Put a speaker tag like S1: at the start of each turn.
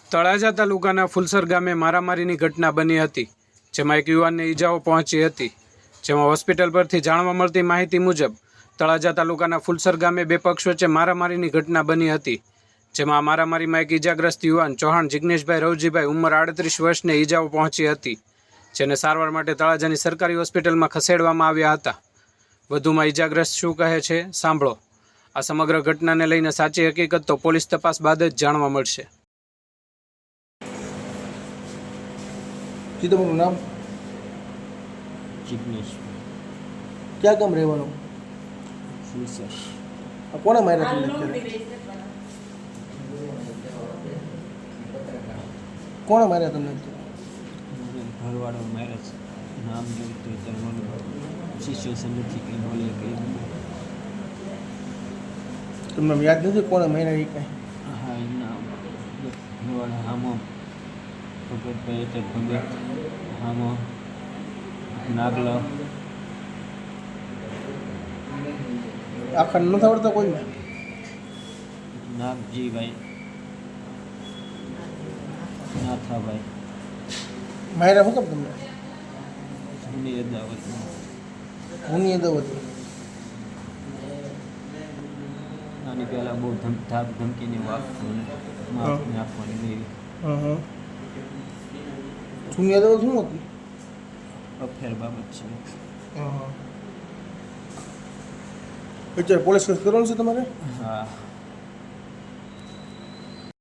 S1: તળાજા તાલુકાના ફુલસર ગામે મારામારીની ઘટના બની હતી, જેમાં એક યુવાનને ઈજાઓ પહોંચી હતી. જેમાં હોસ્પિટલ પરથી જાણવા મળતી માહિતી મુજબ તળાજા તાલુકાના ફુલસર ગામે બે પક્ષ વચ્ચે મારામારીની ઘટના બની હતી. જેમાં મારામારીમાં એક ઈજાગ્રસ્ત યુવાન ચૌહાણ જિગ્નેશભાઈ રવજીભાઈ ઉંમર 38 વર્ષને ઈજાઓ પહોંચી હતી, જેને સારવાર માટે તળાજાની સરકારી હોસ્પિટલમાં ખસેડવામાં આવ્યા હતા. વધુમાં ઈજાગ્રસ્ત શું કહે છે સાંભળો. આ સમગ્ર ઘટનાને લઈને સાચી હકીકત તો પોલીસ તપાસ બાદ જ જાણવા મળશે.
S2: जी તમારું નામ?
S3: જિગ્નેશ.
S2: ક્યાં ગામ રહેવાનું?
S3: ફુલસર.
S2: કોણે માર્યા તમને અત્યારે? કોણે માર્યા તમને અત્યારે?
S3: ઘરવાળો મેરેજ નામ જોયું તો ત્યારે સિચ્યુએશન નથી કંઈ બોલે કંઈ.
S2: તમને યાદ નથી કોણે માર્યા એ કાંઈ?
S3: હા એ નામ ઘરવાળો હામો ભગતભાઈ એટલે ભગત, હામો નાગલો.
S2: આખા નથી આવડતા કોઈને?
S3: નાગજીભાઈ, નાથાભાઈ,
S2: માર્યા શું કેમ તમને?
S3: સુની અદાવત.
S2: હુની અદાવત.
S3: આની પહેલાં બહુ ધાક ધમકીની વાત નાખવાની એવી
S2: હા. હુની અદાવત શું હતી?
S3: અફેર બાબત છે.
S2: અત્યારે પોલીસ કેસ કરવાનું છે તમારે?
S3: હા.